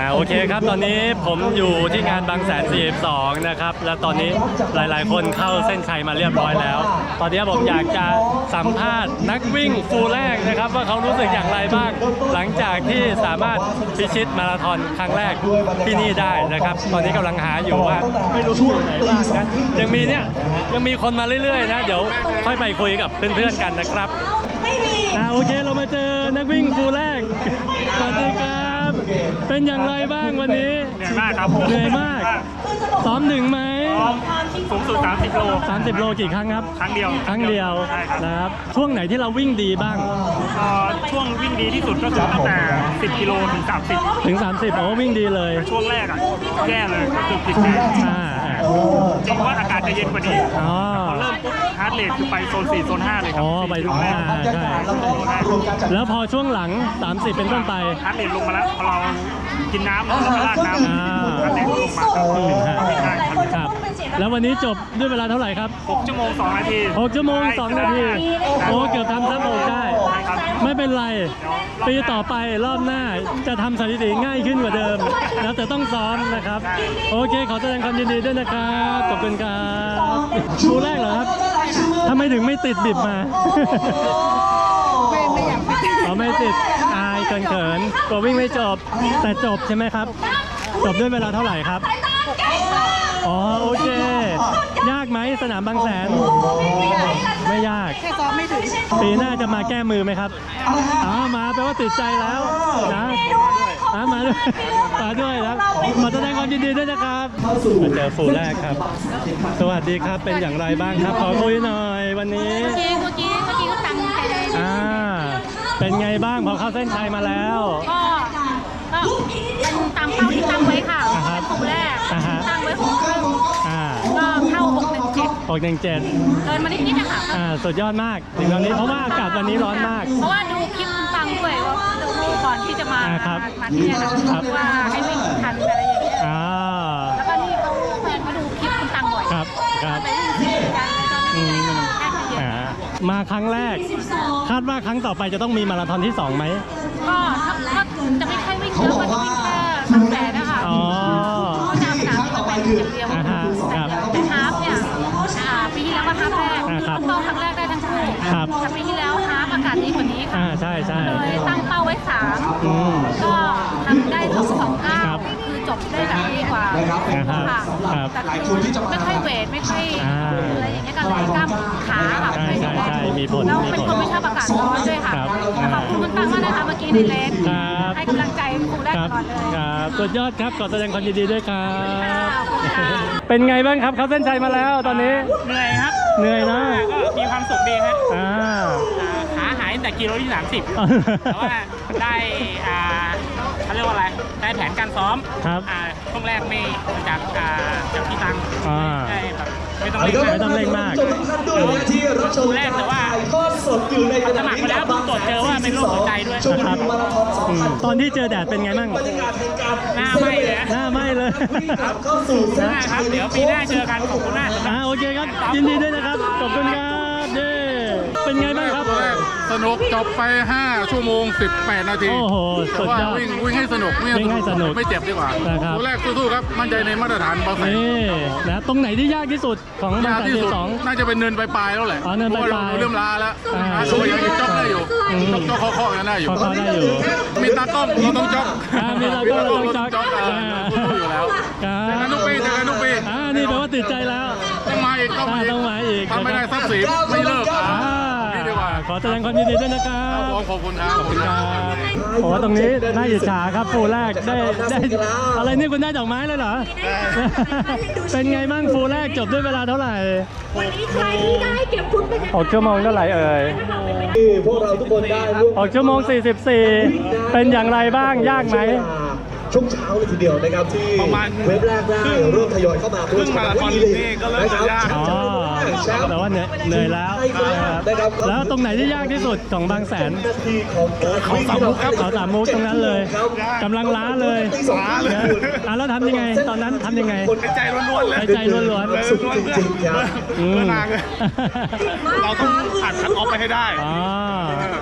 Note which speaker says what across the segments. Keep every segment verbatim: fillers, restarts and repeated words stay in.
Speaker 1: อ่าโอเคครับตอนนี้ผมอยู่ที่งานบางแสนสี่สิบสองนะครับและตอนนี้หลายๆคนเข้าเส้นชัยมาเรียบร้อยแล้วตอนนี้ผมอยากจะสัมภาษณ์นักวิ่งฟูลแรกนะครับว่าเขารู้สึกอย่างไรบ้างหลังจากที่สามารถพิชิตมาราธอนครั้งแรกที่นี่ได้นะครับตอนนี้กำลังหาอยู่ว่าไม่รู้อยู่ไหนบ้างนะยังมีเนี่ยยังมีคนมาเรื่อยๆนะเดี๋ยวค่อยไปคุยกับเพื่อนๆกันนะครับอ่าโอเคเรามาเจอนักวิ่งฟูลแรกสวัสดีครับเป็นอย่างไรบ้างวันนี้
Speaker 2: เหนื่อยมากครับผม
Speaker 1: เหนื่อยมากซ้อมหนึ่งไหม
Speaker 2: ซ้อมสูงสุดสามสิบโล
Speaker 1: สามสิบโลกี่ครั้งครับ
Speaker 2: ครั้งเดียว
Speaker 1: ครั้งเดียวนะครับช่วงไหนที่เราวิ่งดีบ้าง
Speaker 2: ช่วงวิ่งดีที่สุดก็คือตั้งแต่สิบกิโลถึงสามสิบ
Speaker 1: ถึงสามสิบโอ้วิ่งดีเลย
Speaker 2: ช่วงแรกอ่ะแย่เลยก็คือผิดแผนจริงว่าอากาศจะเย็นกว่านี้พอเริ่มปุ๊บฮาร์ดเรทคือไปโซนสี่โซนห้าเลยครับ
Speaker 1: อ๋อไปทุกแรกใช่แล้วพอช่วงหลังสามสิบเป็นต้นไป
Speaker 2: ฮาร์ดเรทลงมาแล้วพอเรากินน้ำแล้วก็ราดน้ำฮาร์ดเรทลงมา
Speaker 1: ครับแล้ววันนี้จบด้วยเวลาเท่าไหร่ครับ
Speaker 2: หกชั่วโมงสองนาที
Speaker 1: หกชั่วโมงสองนาทีโอ้เกือบทำซับโอกได้ไม่เป็นไรปีต่อไปรอบหน้าจะทำสถิติง่ายขึ้นกว่าเดิมแล้วแต่ต้องซ้อมนะครับโอเคขอแสดงความยินดีด้วยนะครับขอบคุณครับชูแรกเหรอครับทำไมถึงไม่ติดบิบมา
Speaker 3: ไม่ไม่อยากติด
Speaker 1: อ๋อไม่ติดอายเขินๆกลัววิ่งไม่จบแต่จบใช่ไหมครับจบด้วยเวลาเท่าไหร่ครับอ๋อโอเคยากไหมสนามบางแสนไม่ยาก
Speaker 3: แค่ซ้อมไม่ถึง
Speaker 1: ปีหน้าจะมาแก้มือไหมครับอ๋อมาแปลว่าติดใจแล้วนะอ่ามาด้วยมาด้วยนะมาแสดงความยินดีด้วยนะครับมาเจอฟูลแรกครับสวัสดีครับเป็นอย่างไรบ้างครับขอคุยหน่อยวันนี้
Speaker 3: เมื่อกี้เมื่อกี้เมื่อกี้ก็ตั้งใจเลย
Speaker 1: อ่าเป็นไงบ้างพอเข้าเส้นชัยมาแล้ว
Speaker 3: ก็ก็เป็นตามเป้าที่ตั้งไว้ค่ะเป็นฟูลแรกตั้งไว้หกครึ่งก็เข้าหกหนึ่งเจ็ด
Speaker 1: หกหนึ่งเจ็ด
Speaker 3: เดินมานิดนิดนะคะ
Speaker 1: อ่าสุดยอดมากถึงตอนนี้เพราะว่าอากาศวันนี้ร้อนมาก
Speaker 3: เพราะว่าดูคลิปตังด้วยว่าดูก่อนที่จะมามาที่นี่นะว่าให้วิ่งทันอะไรอย่างเงี้ยแล้วก็นี่เขาแฟนมาดูคลิปคุณตังบ่อย
Speaker 1: ครับครับ
Speaker 3: ไปวิ่งเส้นกันตอนนี้
Speaker 1: อ่ามาครั้งแรกคาดว่าครั้งต่อไปจะต้องมีมาราธอนที่สองไหม
Speaker 3: ก็ถ้าจะไม่ค่อยวิ่งเยอะก็จะวิ่งแค่บางแสนนะคะ
Speaker 1: อ๋อ
Speaker 3: เขาจะสนามที่มันไปอย่างเดียวแต่ฮาล์ฟเนี่ยปีที่แล้วก็ฮาล์ฟแรกต้องครั้งแรกได้ทั้งคู่แต่ปีที่แล้วฮาล์ฟอากาศดีกว่านี้ค่ะ
Speaker 1: ใช่ใช่
Speaker 3: เลยตั้งเป้าไว้สามก็ทำได้สองสองเก้าคือจบได้แบบดีกว่าค่ะแต่ไม่ค่อยเวทไม่ค่อยอะไรอย่างเงี้ยก็เลยกล้ามขาค่ะ
Speaker 1: ใช่ใช่ใช่มีผล
Speaker 3: เราเป็นคนไม่ชอบอากาศร้อนด้วยค่ะขอบคุณคุณตั้งมากนะคะเมื่อกี้ในเลนให้กำลังใจครูแรกก่อนเลย
Speaker 1: ครับสุดยอดครับขอแสดงความยินดีด้วยครับเป็นไงบ้างครับเขาเส้นชัยมาแล้วตอนนี้
Speaker 2: เหนื่อยครับ
Speaker 1: เหนื่อยนะ
Speaker 2: ก็มีความสุขดีฮะขาหายแต่กิโลที่สามสิบแต่ว่าได้เขาเรียกว่าอะไรได้แผนการซ้อมช่วงแรกไม่จากจากพี่ตังได้แบบไม่ต้องเล่น
Speaker 1: ไม่ต้องเล่นมาก
Speaker 2: ช่วงแรกแต่ว่าสมัครมาแล้วตรวจเจอว่าเป็นโรคหัวใจด้วย
Speaker 1: ครับตอนที่เจอแดดเป็นไงบ้าง
Speaker 2: หน้าไหม้เลย
Speaker 1: หน้าไหม้เลย
Speaker 2: ครับครับเดี๋ยวปีหน้าเจอกันขอบคุณมาก
Speaker 1: อ่าโอเคครับยินดีด้วยนะครับขอบคุณครับเด้เป็นไงบ้างครับ
Speaker 4: สนุกจบไปห้าชั่วโมงสิบแปดนาที
Speaker 1: โอ้โหสุดยอด
Speaker 4: วิ่งวิ่งให้สนุก
Speaker 1: วิ่งให้สนุก
Speaker 4: ไม่เจ็บดีกว่าตัวแรกสู้ๆครับมั่นใจในมาตรฐานบางแสน
Speaker 1: นี่นะตรงไหนที่ยากที่สุดของบางแสนที่สอง
Speaker 4: น่าจะเป็นเนินปลายๆแล้วแหละ
Speaker 1: อ๋อเนินปลาย
Speaker 4: ๆเริ่มล้าแล้วตัวยังจ็อกได้อยู่จ็อกข้อๆกันได้อยู่
Speaker 1: ข้อได้อยู่
Speaker 4: มีตากล้องเราต้องจ็อก
Speaker 1: มีตากล้องเราต้องจ็อก
Speaker 4: สู้อยู่แล้วจากนั้นทุกปีจากนั้นทุกปี
Speaker 1: อ่านี่แปลว่าติดใจแล้ว
Speaker 4: ต้องมาอีกต้องมาอีก
Speaker 1: ต้องมาอีก
Speaker 4: ทำไม่ได้ทรัพย์สินไม่เลิกนี่ดีกว่า
Speaker 1: ขอแสดงความยินดีด้วยนะครับ
Speaker 4: ขอบคุณครับขอบคุณครับ
Speaker 1: โอ้ตรงนี้น่าอิจฉาครับฟูลแรกได้ได้อะไรนี่คุณได้ดอกไม้เลยเหรอเป็นไงบ้างฟูลแรกจบด้วยเวลาเท่าไหร่
Speaker 5: วันนี้ใครที่ได้เก็บฟุตไป
Speaker 1: หกชั่วโมงเท่าไหร่เอ่ย
Speaker 6: พวกเราทุกคนได้
Speaker 1: หกชั่วโมงสี่สิบสี่เป็นอย่างไรบ้างยากไหม
Speaker 6: ช่วงเช้าเลยทีเดียวนะครับที่เว็บแรกได้เริ่มทยอยเข้ามาเพื่อมาที่นี่นะครับ
Speaker 1: อ๋อแต่ว่าเหนื่อยแล้วแล้วตรงไหนที่ยากที่สุดของบางแสน
Speaker 6: เขาสามมุกครับ
Speaker 1: เขาสามมุกตรงนั้นเลยกำลังล้าเลยอ่ะแล้วทำยังไงตอนนั้นทำยังไง
Speaker 2: ใจล้วนๆเลย
Speaker 1: ใจล้วนๆ
Speaker 6: สุดจริงๆครับ
Speaker 2: เราต้องผ่านคัทออฟไปให้ได้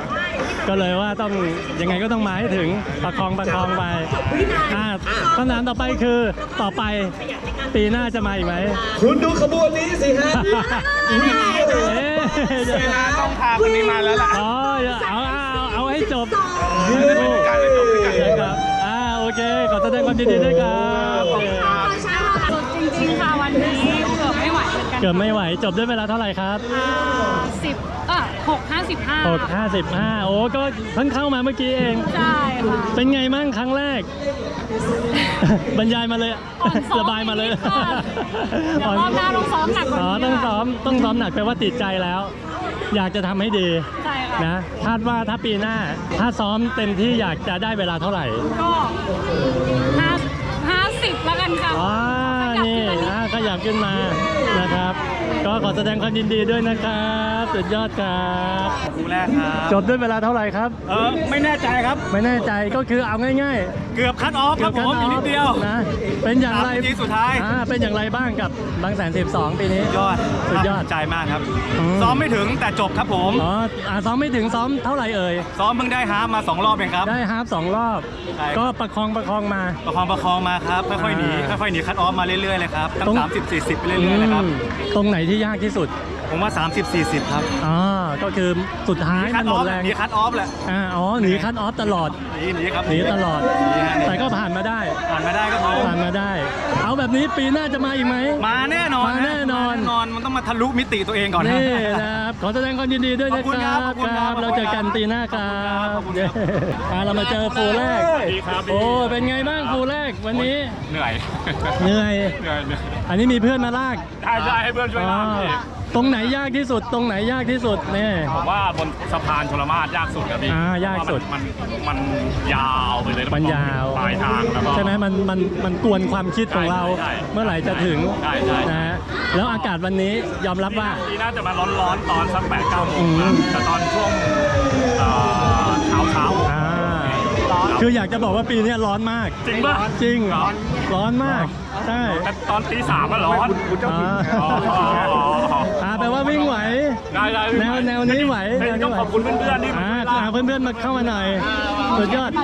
Speaker 1: ก็เลยว่าต้องยังไงก็ต้องมาให้ถึงประคองประคองไปอ่าคำถามต่อไปคือต่อไปปีหน้าจะมาอีกไหม
Speaker 6: คุณดูขบวนนี้สิฮะ
Speaker 1: เอ๊ะ
Speaker 2: ต้องพาคนนี้มาแล้วล่ะ
Speaker 1: อ๋อเอาเอาเอาเอาให้จบ
Speaker 4: การเลยจบด้วยกัน
Speaker 1: นะครับอ่าโอเคขอแสดงความยินดีด้วยครับเออ
Speaker 3: จริงๆค่ะวันนี้เกือบไม่ไหวเหมือนกัน
Speaker 1: เกือบไม่ไหวจบด้วยเวลาเท่าไหร่ครับ
Speaker 3: สิบเออหกห้าสิบห้า
Speaker 1: หกห้าสิบห้าโอ้ก็เพิ่งเข้ามาเมื่อกี้เอง
Speaker 3: ใช่ค่ะ
Speaker 1: เป็นไงมั่งครั้งแรก บรรยายมาเลย
Speaker 3: อ่อนซ้อม
Speaker 1: ระบายมาเลย
Speaker 3: นิดค่ะเดี๋ยวรอบหน้าต้องซ้อมหนักกว่านี้
Speaker 1: อ๋อต้องซ้อมต้องซ้อมหนักแปลว่าติดใจแล้ว อยากจะทำให้ดี
Speaker 3: ใช่ค่ะ
Speaker 1: นะคาดว่าถ้าปีหน้า ถ้าซ้อมเต็มที่อยากจะได้เวลาเท่าไหร่
Speaker 3: ก็ห้าห้าสิบแล้วกันค่ะ
Speaker 1: อ๋อนี่อ่าขยับขึ้นมานะครับ ก็ขอแสดงความยินดีด้วยนะครับสุดยอดครับ
Speaker 2: คู่แรกครับ
Speaker 1: จบด้วยเวลาเท่าไหร่ครับ
Speaker 2: เออไม่แน่ใจครับ
Speaker 1: ไม่แน่ใจก็คือเอาง่าย
Speaker 2: เกือบคัดออฟ
Speaker 1: ๆ
Speaker 2: ครับผมอีกนิดเดียว
Speaker 1: นะเป็นอย่างไร
Speaker 2: สามนาทีสุดท้าย
Speaker 1: อ่าเป็นอย่างไรบ้างกับบางแสนสิบสองปีนี้
Speaker 2: ยอด
Speaker 1: สุดยอด
Speaker 2: ใจมากครับ
Speaker 1: อืม
Speaker 2: ซ้อมไม่ถึงแต่จบครับผม
Speaker 1: อ๋ออ่าซ้อมไม่ถึงซ้อมเท่าไหร่เอ่ย
Speaker 2: ซ้อมเพิ่งได้ฮาล์ฟมาสองรอบเองครับ
Speaker 1: ได้ฮาล์ฟสองรอบ
Speaker 2: ใช่
Speaker 1: ก็ประคองประคองมา
Speaker 2: ประคองประคองมาครับค่อยๆหนี
Speaker 1: อ่า
Speaker 2: ค่อยๆหนีคัดออฟมาเรื่อยๆเลยครับตั้
Speaker 1: ตรง
Speaker 2: งสามสิบสี่สิบไปเรื่อยๆเลยครับ
Speaker 1: อืมตรงไหนที่ยากที่สุด
Speaker 2: ผมว่าสามสิบสี่สิบครับ
Speaker 1: อ๋อก็คือสุดท้าย
Speaker 2: หนีคั
Speaker 1: มั
Speaker 2: ด
Speaker 1: น
Speaker 2: อ
Speaker 1: หม
Speaker 2: อ
Speaker 1: ด
Speaker 2: ฟ
Speaker 1: แรง
Speaker 2: หนีคัดออฟแหละ
Speaker 1: อ่าอ๋อหนีคัดออฟตลอด
Speaker 2: หนีหนีครับ
Speaker 1: หนีตลอด
Speaker 2: หนีฮะ
Speaker 1: แต่ก็ผ่านมาได้
Speaker 2: ผ่านมาได้ครับผม
Speaker 1: ผ่านมาได้ เอาแบบนี้ปีหน้าจะมาอีกไหม
Speaker 2: มาแน่นอน
Speaker 1: มาแน่นอน
Speaker 2: มาแน่นอนมันต้องมาทะลุมิติตัวเองก่อนนะ
Speaker 1: นี่นะครับขอแสดงความยินดีด้วยนะ
Speaker 2: ขอบคุณ
Speaker 1: ค
Speaker 2: ครั
Speaker 1: รั
Speaker 2: บบ ขอบคุณครับ
Speaker 1: เราเจอกันปีหน้าครับ
Speaker 2: ขอบคุณครับ
Speaker 1: เย้อ่าเรามาเจอฟูลแรก
Speaker 2: ดีครับ
Speaker 1: โอ้เป็นไงบ้างฟูลแรกวันนี้
Speaker 2: เหนื่อย
Speaker 1: เหนื่อย
Speaker 2: เหนื่อยเหนื่อย
Speaker 1: อันนี้มีเพื่อนมาลาก
Speaker 2: ได้ได้ให้เพื่อนช่วย
Speaker 1: อ๋อ
Speaker 2: ลากพี่
Speaker 1: ตรงไหนยากที่สุด ตรงไหนยากที่สุดนี่
Speaker 2: ผมว่าบนสะพานชลมาศยากสุดครับพี่
Speaker 1: อ่ายากสุด
Speaker 2: มันมันยาวไปเลย
Speaker 1: มันยาว
Speaker 2: ปลายทางแล้วก็
Speaker 1: ใช่ไหมมันมันมันกวนความคิดของเรา
Speaker 2: ใช่ใช่
Speaker 1: เมื่อไหร่จะถึง
Speaker 2: ใช่ใช่
Speaker 1: นะฮะแล้วอากาศวันนี้ยอมรับว่า
Speaker 2: ทีน่าจะมาร้อนๆตอนสักแปดเก้าโม
Speaker 1: อื
Speaker 2: ง
Speaker 1: ม
Speaker 2: นะแต่ตอนช่วงเอ่อเช้าเช้า
Speaker 1: อ่าคืออยากจะบอกว่าปีนี้ร้อนมาก
Speaker 2: จริงป่ะ
Speaker 1: จริง
Speaker 2: ร้อน
Speaker 1: ร้อนมากใช่
Speaker 2: แต่ตอนตีสามมันร้อน
Speaker 1: อ่า
Speaker 2: อ๋ออ๋ออ๋อ
Speaker 1: อ่าแปลว่าวิ่งไหว
Speaker 2: ได้ได้
Speaker 1: แนวแนวนี้ไหว
Speaker 2: เฮ้ย
Speaker 1: แนวนี้
Speaker 2: ต้อง
Speaker 1: ไหว
Speaker 2: ขอบคุณเพื่อนๆที่มา
Speaker 1: อ่า
Speaker 2: ช่วยลาก
Speaker 1: หาเพื่อนๆมาเข้ามาหน่อยสุดยอด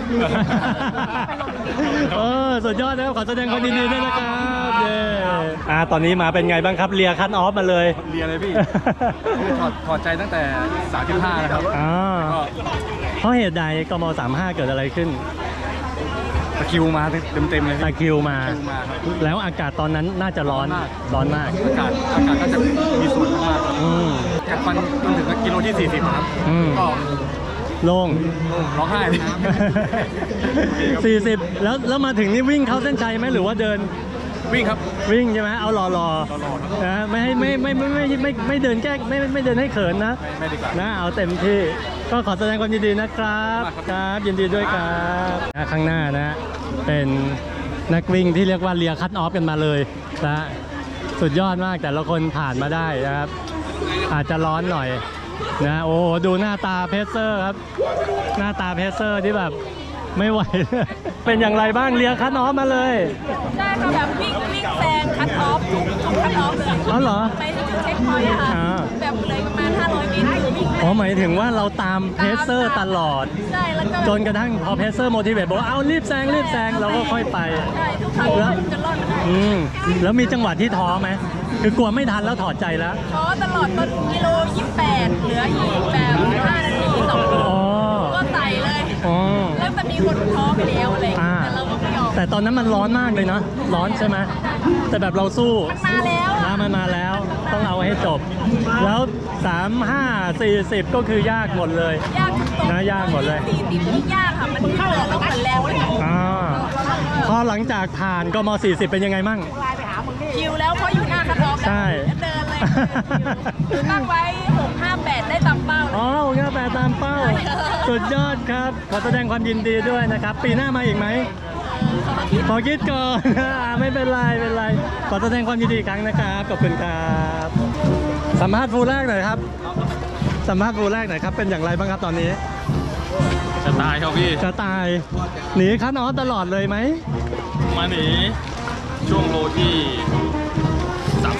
Speaker 1: เออสุดยอดนะครับขอแสดงความยินดีด้วยนะครับเย้อ่าตอนนี้มาเป็นไงบ้างครับเลียคัทออฟมาเลย
Speaker 4: เรียนเลยพี่ถอดถอดใจตั้งแต่สามสิบห้านะครับ
Speaker 1: อ่า
Speaker 4: ก็
Speaker 1: เพราะเหตุใดกมสามห้าเกิดอะไรขึ้น
Speaker 4: ตะคริวมาเต็มเต็มๆเลย
Speaker 1: ตะ
Speaker 4: พี่
Speaker 1: คริวมา
Speaker 4: ตะคริวมาครับ
Speaker 1: แล้วอากาศตอนนั้นน่าจะร้อน ร้อนมาก
Speaker 4: อากาศอากาศก็จะมีส่วนมาก
Speaker 1: อืม
Speaker 4: กัดฟันจนถึงกิโลที่สี่สิบครับ
Speaker 1: อืม
Speaker 4: ก็
Speaker 1: โล่ง
Speaker 4: ร้องไห้เลย
Speaker 1: สี่สิบแล้วแล้วมาถึงนี่วิ่งเข้าเส้นชัยไหมหรือว่าเดิน
Speaker 4: วิ่งครับ
Speaker 1: วิ่งใช่ไหมเอารอรอ
Speaker 4: รอๆ
Speaker 1: นะไม่ให้ไม่ไม่ไม่ไม่ไม่ไม่ไม่เดินแก้ไม่ไม่ไม่เดินให้เขินนะ
Speaker 4: ไม่ไม่ดีกว่า
Speaker 1: นะเอาเต็มที่ก็ขอแสดงความยินดีนะครับครับยินดีด้วยครับนะข้างหน้านะ เป็นนักวิ่งที่เรียกว่าเลียคัตออฟกันมาเลยนะสุดยอดมากแต่ละคนผ่านมาได้นะครับ อาจจะร้อนหน่อยนะโอ้โหดูหน้าตาเพเซอร์ครับ หน้าตาเพเซอร์ที่แบบไม่ไหว เป็นอย่างไรบ้างเลียคัตออฟมาเลย
Speaker 3: ใช่ค่ะแบบวิ่งวิ่งแซงคัทออฟทุกทุกคัทออฟเลย
Speaker 1: อ๋อเหรอ
Speaker 3: ไปที่จุดเช็คพอยต์อะค่ะ
Speaker 1: อ่า
Speaker 3: แบบเลยประมาณห้าร้อยเมตรคือวิ่ง
Speaker 1: อ๋อหมายถึงว่าเราตามเพเซอร์ตลอด
Speaker 3: ใช่แล้วก็
Speaker 1: จนกระทั่งพอเพเซอร์โมทิเวตบอกว่าเอารีบแซงรีบแซงเราก็ค่อยไป
Speaker 3: ใช่ทุกครั้ง
Speaker 1: แล้ว
Speaker 3: จะรอดมาได้
Speaker 1: อืมแล้วมีจังหวะที่ท้อไหมคือกลัวไม่ทันแล้วถอดใจแล้ว
Speaker 3: ท้อตลอดต้นกิโลยี่สิบแปดเหลืออีกแบบห้านาทีสองโล
Speaker 1: อ๋อ
Speaker 3: ก็ใส่เลย
Speaker 1: อ๋อ
Speaker 3: แล้วจะมีคนท้อไปแล้วอะไรอย่าง
Speaker 1: อ่า
Speaker 3: เงี้ยแต่เราก็ไม่ยอม
Speaker 1: แต่ตอนนั้นมันร้อนมากเลยเนาะร้อนใช่ไหมแต่แบบเราสู้
Speaker 3: มันมาแล้วอะ
Speaker 1: นะมันมาแล้วต้องเอาให้จบ แล้วสามห้าสี่สิบก็คือยากหมดเลย
Speaker 3: ยากทุกตรง
Speaker 1: นะยากหมดเลย
Speaker 3: สี่สิบยิ่งยากค่ะ มันเหลือแล้วมันแรงเลย
Speaker 1: อ่าพอหลังจากผ่านกมสี่สิบเป็นยังไงมั่ง
Speaker 3: คิวแล้วเพราะอยู่หน้าคัทออฟ
Speaker 1: ใช่
Speaker 3: เดินเลยคือตั้งไว้หกห้าแปดได้ตามเป้าเลย
Speaker 1: อ๋อโอเคแปดตามเป้า สุดยอดครับ ขอแสดงความยินดีด้วยนะครับ ปีหน้ามาอีกไหม ขอคิดก่อน อ่าไม่เป็นไรไม่เป็นไร ขอแสดงความยินดีอีกครั้งนะครับ ขอบคุณครับ สัมภาษณ์ฟูลแรกหน่อยครับ สัมภาษณ์ฟูลแรกหน่อยครับ เป็นอย่างไรบ้างครับตอนนี้
Speaker 4: จะตายครับพี่
Speaker 1: จะตาย หนีคัทออฟตลอดเลยไหม
Speaker 4: มาหนีช่วงโลที่สาม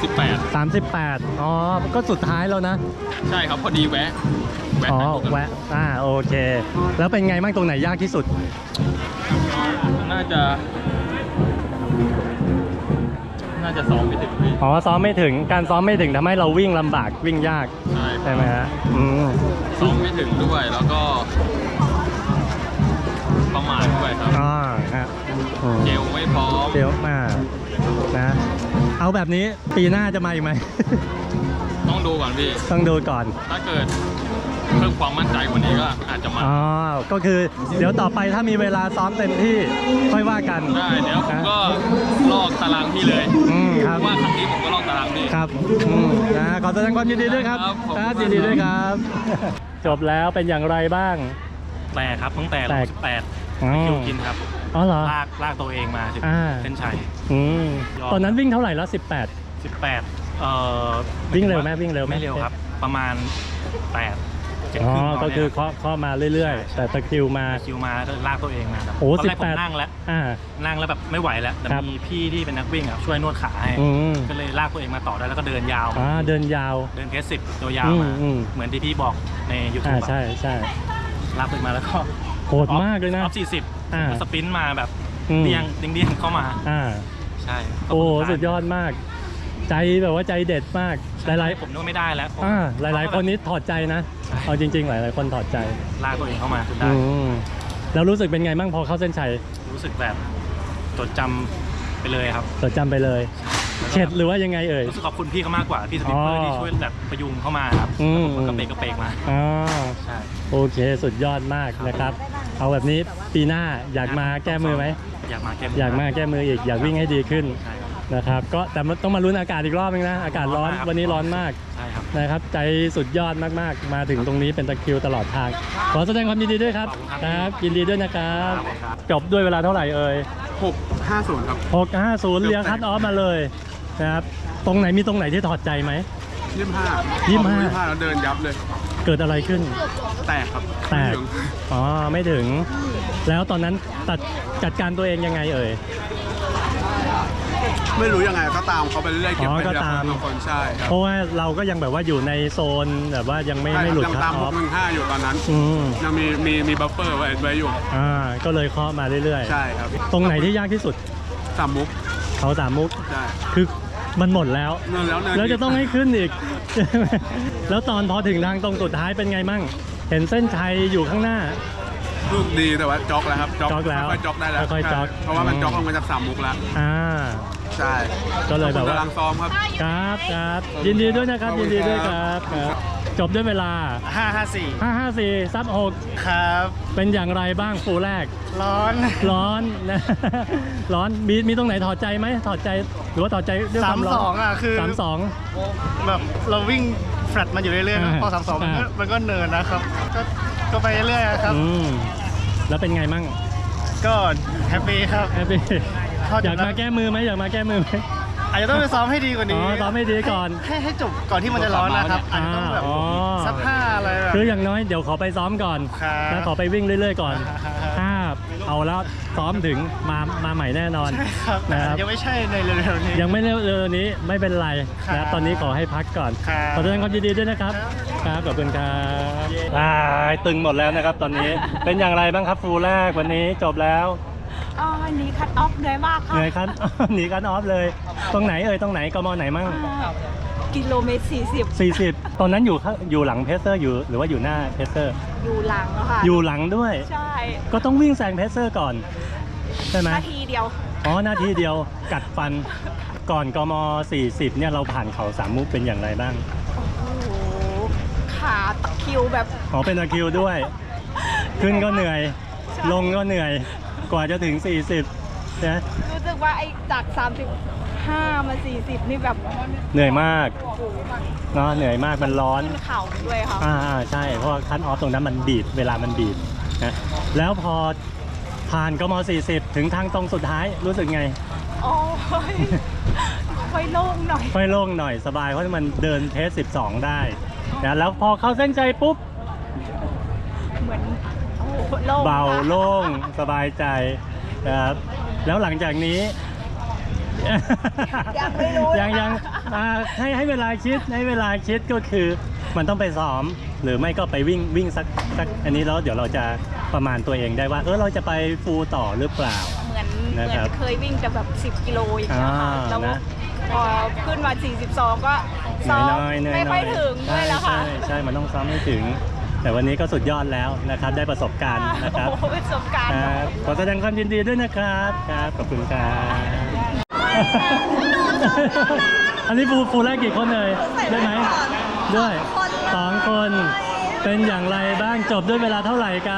Speaker 4: สิบแปด
Speaker 1: สามสิบแปดอ๋อ ก็สุดท้ายแล้วนะ
Speaker 4: ใช่ครับพอดีแวะแวะ
Speaker 1: อ๋อ
Speaker 4: ถ่ายรูปกัน
Speaker 1: แวะ อ่า โอเค แล้วเป็นไงบ้างตรงไหนยากที่สุด
Speaker 4: น่าจะ น่าจะซ้อมไม่ถึงพี่
Speaker 1: อ๋อ ซ้อมไม่ถึง การซ้อมไม่ถึงทำให้เราวิ่งลำบากวิ่งยาก
Speaker 4: ใช่
Speaker 1: ใช่ไหมฮะ อืม
Speaker 4: ซ้อมไม่ถึงด้วยแล้วก็ ประมาทด้วยครับ
Speaker 1: อ๋อฮะอืม
Speaker 4: เจลไม่พร้อม
Speaker 1: เดี๋ยวมานะ เอาแบบนี้ปีหน้าจะมาอีกไหม
Speaker 4: ต้องดูก่อนพี่
Speaker 1: ต้องดูก่อน
Speaker 4: ถ้าเกิดเพิ่มความมั่นใจกว่านี้ก็อาจจะมา
Speaker 1: อ๋อ ก็คือเดี๋ยวต่อไปถ้ามีเวลาซ้อมเต็มที่ค่อยว่ากัน
Speaker 4: ได้เดี๋ยวผมก็ลอกตารางพี่เลย
Speaker 1: อืมค
Speaker 4: เพ
Speaker 1: รับ
Speaker 4: ราะว่าครั้งนี้ผมก็ลอกตารางพี่
Speaker 1: ครับอืมนะขอแสดงความยินดีด้วยครับ
Speaker 4: ครับผม
Speaker 1: ครับยินดีด้วยครับ จบแล้วเป็นอย่างไรบ้าง
Speaker 2: แปลกครับตั้งแต่
Speaker 1: แปลก
Speaker 2: สิบแปด
Speaker 1: อ๋อ
Speaker 2: คิวกินครับ
Speaker 1: อ๋อเหรอ
Speaker 2: ลากลากตัวเองมาถึง
Speaker 1: อ่า
Speaker 2: เส้นชัย
Speaker 1: อืม
Speaker 2: ยอม
Speaker 1: ตอนนั้นวิ่งเท่าไหร่แล้วสิบแปด
Speaker 2: สิบแปดเอ่อ
Speaker 1: วิ่งเร็วไหมวิ่งเร็วไหม
Speaker 2: ไม่เร็วครับ ประมาณแปดเจ็ด
Speaker 1: อ๋อ
Speaker 2: ครึ่ง
Speaker 1: ก็คือเคาะเคาะมาเรื่อยๆ แต่ตะคริวมา
Speaker 2: คิวมาก็ลากตัวเองมาครับ
Speaker 1: โอ้
Speaker 2: ตอนแรก
Speaker 1: สิบ
Speaker 2: ผ
Speaker 1: แป
Speaker 2: ม
Speaker 1: ด
Speaker 2: นั่งแล้ว
Speaker 1: อ่า
Speaker 2: นั่งแล้วแบบไม่ไหวแล้วแต่
Speaker 1: ครับ
Speaker 2: มีพี่ที่เป็นนักวิ่งอ่ะช่วยนวดขาให้
Speaker 1: อืม
Speaker 2: ก็เลยลากตัวเองมาต่อได้แล้วก็เดินยาว
Speaker 1: อ่าเดินยาว
Speaker 2: เดินเพสสิบตัวยาวมา
Speaker 1: อืมอืม
Speaker 2: เหมือนที่พี่บอกในยูทู
Speaker 1: อ่า
Speaker 2: บ
Speaker 1: ใช่ใช่
Speaker 2: ลากตัวเองมาแล้วก็
Speaker 1: โหดมากเลยนะ
Speaker 2: ออฟสี่สิบ
Speaker 1: อ่า
Speaker 2: สปรินต์มาแบบ
Speaker 1: อืม
Speaker 2: เดียงเดียงเดียงเข้ามา
Speaker 1: อ่า
Speaker 2: ใช่
Speaker 1: โอ้
Speaker 2: ขบคุณ
Speaker 1: สุดยอดมาก ใจแบบว่าใจเด็ดมาก หลาย
Speaker 2: ผมนึกว่าไม่ได้แล้ว
Speaker 1: ๆอ่าหลาย ๆ คนนี้ถอดใจนะ เอาจริง ๆ หลาย ๆ คนถอดใจ
Speaker 2: ลากตัวเองเข้ามาจนได้
Speaker 1: อืมแล้วรู้สึกเป็นไงบ้างพอเข้าเส้นชัย
Speaker 2: รู้สึกแบบจดจำไปเลยครับ
Speaker 1: จดจำไปเลย เข็ดหรือว่ายังไงเอ่ย
Speaker 2: รู้สึกขอบคุณพี่เขามากกว่าพี่สปินเปอร์
Speaker 1: อ๋อ
Speaker 2: ที่ช่วยแบบประยุงเข้ามาครับ
Speaker 1: อืม
Speaker 2: แล้วผมก็เปกกระเปกมา
Speaker 1: อ๋อ
Speaker 2: ใช่
Speaker 1: โอเคสุดยอดมากนะครับ เอาแบบนี้ปีหน้าอยากมาแก้มือไหม
Speaker 2: อยากมาแก้
Speaker 1: อยากมาแก้มืออีกอยากวิ่งให้ดีขึ้น
Speaker 2: ใช่ครับ
Speaker 1: นะครับ ก็แต่มันต้องมาลุ้นอากาศอีกรอบนึงนะ อากาศร้อน
Speaker 2: ร้อนมากครับ
Speaker 1: วันนี้ร้อนมาก
Speaker 2: ใช่ครับ
Speaker 1: นะครับ ใจสุดยอดมากๆ มาถึงตรงนี้เป็นตะคริวตลอดทาง ขอแสดงความยินดีด้วยครับ
Speaker 2: ขอบคุณครับ
Speaker 1: ครับยินดีด้วยนะครับ
Speaker 2: ครับ
Speaker 1: จบด้วยเวลาเท่าไหร่เอ่ย
Speaker 4: หกห้าศูนย์ครับ
Speaker 1: หกห้าศูนย์เลี้ยงคัดออฟมาเลยนะครับตรงไหนมีตรงไหนที่ถอดใจไหม
Speaker 4: ยี่สิบห้า
Speaker 1: ยี่สิบห้า
Speaker 4: ยี่สิบห้าแล้วเดินยับเลย
Speaker 1: เกิดอะไรขึ้น
Speaker 4: แตกครับ
Speaker 1: แตก
Speaker 4: ไม่ถึง
Speaker 1: อ๋อไม่ถึง แล้วตอนนั้นตัดจัดการตัวเองยังไงเอ่ย
Speaker 4: ไม่รู้ยังไงก็ตามเขาไปเรื่อยๆเก็บ
Speaker 1: อ๋อ
Speaker 4: ไป
Speaker 1: ก็
Speaker 4: ทีละ
Speaker 1: ตาม
Speaker 4: คนละคนใช่ครับ
Speaker 1: เพราะว่าเราก็ยังแบบว่าอยู่ในโซนแบบว่ายังไม่
Speaker 4: ใช่
Speaker 1: ไม่
Speaker 4: ค
Speaker 1: หลุ
Speaker 4: รั
Speaker 1: ด
Speaker 4: บยัง
Speaker 1: คั
Speaker 4: ตา
Speaker 1: ท
Speaker 4: ม
Speaker 1: อ
Speaker 4: ห
Speaker 1: อก ฟ
Speaker 4: หนึ่งห้าอยู่ตอนนั้น
Speaker 1: อืม
Speaker 4: ยังมีมีมีบัฟเฟอร์ไว้ไว้อยู่
Speaker 1: อ่าก็เลยเคาะมาเรื่อย
Speaker 4: ใช่ครับ
Speaker 1: ๆ ตรงไหนที่ยากที่สุด
Speaker 4: สามมุก
Speaker 1: เขาสามมุก
Speaker 4: ใช่
Speaker 1: คือมันหมดแล้ว
Speaker 4: เนินแล้วเนิน
Speaker 1: แล้วจะต้องให้ขึ้นอีก แล้วตอนพอถึงทางตรงสุดท้ายเป็นไงมั่ง เห็นเส้นชัยอยู่ข้างหน้า
Speaker 4: ลูกดีแต่ว่าจ็อกแล้วครับ
Speaker 1: จ็อกแล้ว
Speaker 4: ค่อยๆจ็อกได้แล้ว
Speaker 1: ค่อยๆจ็อก
Speaker 4: ใช่เพราะว่ามัน
Speaker 1: อืม
Speaker 4: จ็อกลงมาจากสามมุกแล้ว
Speaker 1: อ่า
Speaker 4: ใช่
Speaker 1: ก็เลยแบบว่า
Speaker 4: กำลังซ้อมครับ
Speaker 1: ครับครับยินดีด้วยนะครับ
Speaker 4: ขอบคุ
Speaker 1: ยิน
Speaker 4: ณ
Speaker 1: ดีด้วย
Speaker 4: ค
Speaker 1: ค
Speaker 4: รั
Speaker 1: รับ บครับจบด้วยเวลา
Speaker 2: ห้าห้าสี่
Speaker 1: ห้าห้าสี่ซับหก
Speaker 2: ครับ
Speaker 1: เป็นอย่างไรบ้างฟูลแรก
Speaker 2: ร้อน
Speaker 1: ร้อนนะ ร้อนมีมีตรงไหนถอดใจไหมถอดใจหรือว่าถอดใจด้วยความร้อน
Speaker 2: สามสองอ่ะคือ
Speaker 1: สามสอง
Speaker 2: แบบเราวิ่งแฟลตมาอยู่เรื่อยๆนะ
Speaker 1: อ่า
Speaker 2: พอสามสองมันก็
Speaker 1: อ่า
Speaker 2: มันก็เนินนะครับ ก็ก็ไปเรื่อยๆครับ
Speaker 1: อืมแล้วเป็นไงมั่ง
Speaker 2: ก็แฮปปี้ครับ
Speaker 1: แฮปปี้
Speaker 2: พอจบ
Speaker 1: อยากมาแก้มือไหมอยากมาแก้มือไหม
Speaker 2: อาจจะต้องไปซ้อมให้ดีกว่า
Speaker 1: อ๋
Speaker 2: นี้
Speaker 1: อซ้อมให้ดีก่อน
Speaker 2: ให้ให้จบก่อนที่มันจะร้อนนะครับอาจจะต้องแบบ
Speaker 1: อ๋อ
Speaker 2: สักห้าอะไรแบบ
Speaker 1: คืออย่างน้อยเดี๋ยวขอไปซ้อมก่อน
Speaker 2: ครับ
Speaker 1: แล้วขอไปวิ่งเรื่อยๆก่อน
Speaker 2: ครับ
Speaker 1: ถ้าเอาแล้วซ้อมถึงมามาใหม่แน่นอน
Speaker 2: ใช่ครับ
Speaker 1: นะครับ
Speaker 2: ยังไม่ใช่ในเร็วๆนี้
Speaker 1: ยังไม่เร็วๆนี้ไม่เป็นไร
Speaker 2: ครั
Speaker 1: นะ
Speaker 2: บ
Speaker 1: ตอนนี้ขอให้พักก่อน
Speaker 2: ครับ
Speaker 1: ขอแสดงความยินดีด้วยนะครับครับขอบคุณครับอ่าตึงหมดแล้วนะครับตอนนี้ เป็นอย่างไรบ้างครับฟูลแรกวันนี้จบแล้ว
Speaker 3: อ๋อวันนี้คัดออฟเหนื่อยมากค่ะ
Speaker 1: เหนื่อยคัน หนีกันออฟเลย ตรงไหนเอ่ยตรงไหนกมไหนมั่ง
Speaker 3: อ่ากิโลเมตรสี่สิบ
Speaker 1: สี่สิบตอนนั้นอยู่ข้างอยู่หลังเพเซอร์อยู่หรือว่าอยู่หน้าเพเซอร์
Speaker 3: อยู่หลังอะค่ะ
Speaker 1: อยู่หลังด้วย
Speaker 3: ใช่
Speaker 1: ก็ต้องวิ่งแซงเพเซอร์ก่อนใช่ไหม
Speaker 3: นาทีเดียว
Speaker 1: อ๋อนาทีเดียวกัดฟันก่อนกมสี่สิบเนี่ยเราผ่านเขาสามมุกเป็นอย่างไรบ้าง
Speaker 3: โอ้โหขาตะคริวแบบ
Speaker 1: อ๋อเป็นตะคริวด้วย ขึ้นก็เหนื่อย ลงก็เหนื่อย กว่าจะถึง สี่สิบนะ
Speaker 3: รู้สึกว่าไอ้จากสามสิบห้ามาสี่สิบนี่แบบ
Speaker 1: เหนื่อยมาก
Speaker 3: โอ้โห
Speaker 1: เนาะเหนื่อยมากมันร้อน
Speaker 3: ขึ้นเข่าด้วยค่ะ
Speaker 1: อ่าอ่าใช่ เพราะว่าคัทออฟตรงนั้นมันบีบเวลามันบีบนะแล้วพอผ่านกมสี่สิบถึงทางตรงสุดท้ายรู้สึกไง
Speaker 3: โอ้ยค่อยโล่งหน่อย
Speaker 1: ค่อยโล่งหน่อยสบายเพราะมันเดินเพสสิบสองได้นะแล้วพอเข้าเส้นใจปุ๊บ
Speaker 3: เหมือนโอ้โหโล่ง
Speaker 1: เบา
Speaker 3: ค่ะ
Speaker 1: โล่งสบายใจนะครับแล้วหลังจากนี้
Speaker 5: ยังไม่รู้
Speaker 1: ยังยังอ่าให้ให้เวลาคิดให้เวลาคิดก็คือมันต้องไปซ้อมหรือไม่ก็ไปวิ่งวิ่งสักสักอันนี้แล้วเดี๋ยวเราจะประมาณตัวเองได้ว่าเออเราจะไปฟูลต่อหรือเปล่า
Speaker 5: เหมือนเหมื
Speaker 1: นะ
Speaker 5: อน
Speaker 1: ครับ
Speaker 5: เคยวิ่งแต่แบบสิบกิโลอย่างเงี้ยค่ะ
Speaker 1: อ่า
Speaker 5: แล้ว
Speaker 1: นะ
Speaker 5: พอขึ้นมาสี่สิบสองก็ซ้อม
Speaker 1: น้อยๆน้อยๆ
Speaker 5: ไม่ค่อยถึงด้วยแล้วค่ะ
Speaker 1: ใช่ใช่ใช่มันต้องซ้อมให้ถึง แต่วันนี้ก็สุดยอดแล้วนะครับได้ประสบการณ์นะครับ
Speaker 5: โอ้โหประสบการณ์
Speaker 1: ครับขอแสดงความยินดีด้วยนะครับครับขอบคุณครับอันนี้ฟูฟูแรกกี่คนเลยได้ไหมด้วยสองคนเป็นอย่างไรบ้างจบด้วยเวลาเท่าไหร่กัน